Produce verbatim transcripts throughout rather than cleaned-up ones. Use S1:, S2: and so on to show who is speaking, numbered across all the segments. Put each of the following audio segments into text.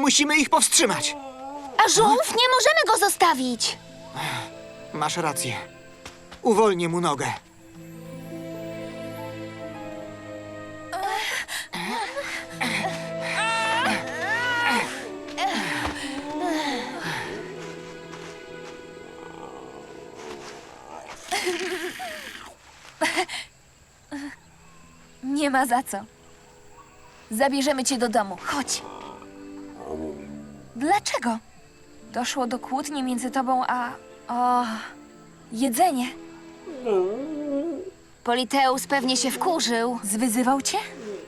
S1: Musimy ich powstrzymać.
S2: A żółw nie możemy go zostawić.
S1: Masz rację. Uwolnię mu nogę.
S2: Nie ma za co. Zabierzemy cię do domu. Chodź. Dlaczego? Doszło do kłótni między tobą a... O... jedzenie. Politeus pewnie się wkurzył. Zwyzywał cię?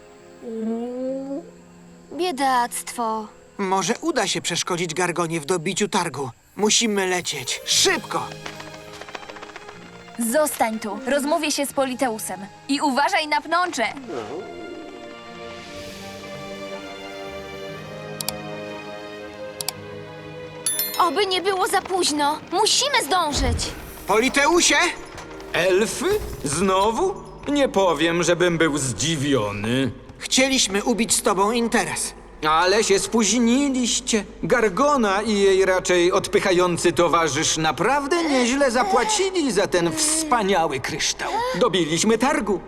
S2: Biedactwo.
S1: Może uda się przeszkodzić Gargonie w dobiciu targu. Musimy lecieć. Szybko!
S2: Zostań tu. Rozmówię się z Politeusem. I uważaj na pnącze. Oby nie było za późno. Musimy zdążyć.
S1: Politeusie!
S3: Elfy? Znowu? Nie powiem, żebym był zdziwiony.
S1: Chcieliśmy ubić z tobą interes.
S3: Ale się spóźniliście. Gargona i jej raczej odpychający towarzysz naprawdę nieźle zapłacili za ten wspaniały kryształ. Dobiliśmy targu.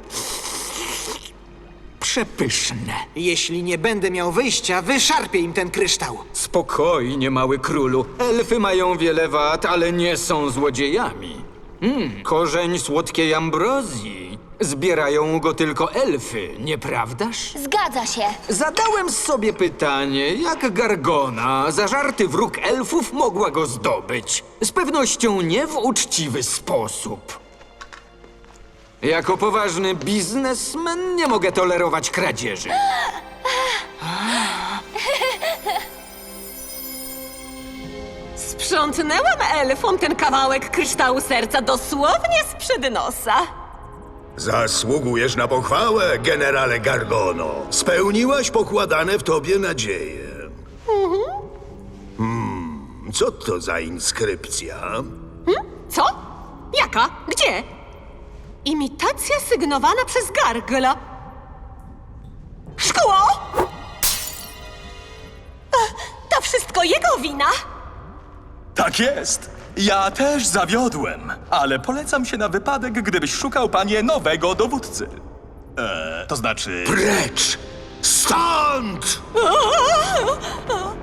S3: Przepyszne.
S1: Jeśli nie będę miał wyjścia, wyszarpię im ten kryształ.
S3: Spokojnie, mały królu. Elfy mają wiele wad, ale nie są złodziejami. Mm, korzeń słodkiej ambrozji. Zbierają go tylko elfy, nieprawdaż?
S2: Zgadza się.
S3: Zadałem sobie pytanie, jak Gargona, zażarty wróg elfów, mogła go zdobyć. Z pewnością nie w uczciwy sposób. Jako poważny biznesmen nie mogę tolerować kradzieży.
S4: Sprzątnęłam elfom ten kawałek kryształu serca dosłownie sprzed nosa.
S5: Zasługujesz na pochwałę, generale Gargono. Spełniłaś pokładane w tobie nadzieje. Hmm, co to za inskrypcja?
S4: Co? Jaka? Gdzie? Imitacja sygnowana przez Gargla. Szkło! Ach, to wszystko jego wina!
S6: Tak jest. Ja też zawiodłem, ale polecam się na wypadek, gdybyś szukał, panie, nowego dowódcy. Eee, to znaczy...
S5: Precz! Stąd!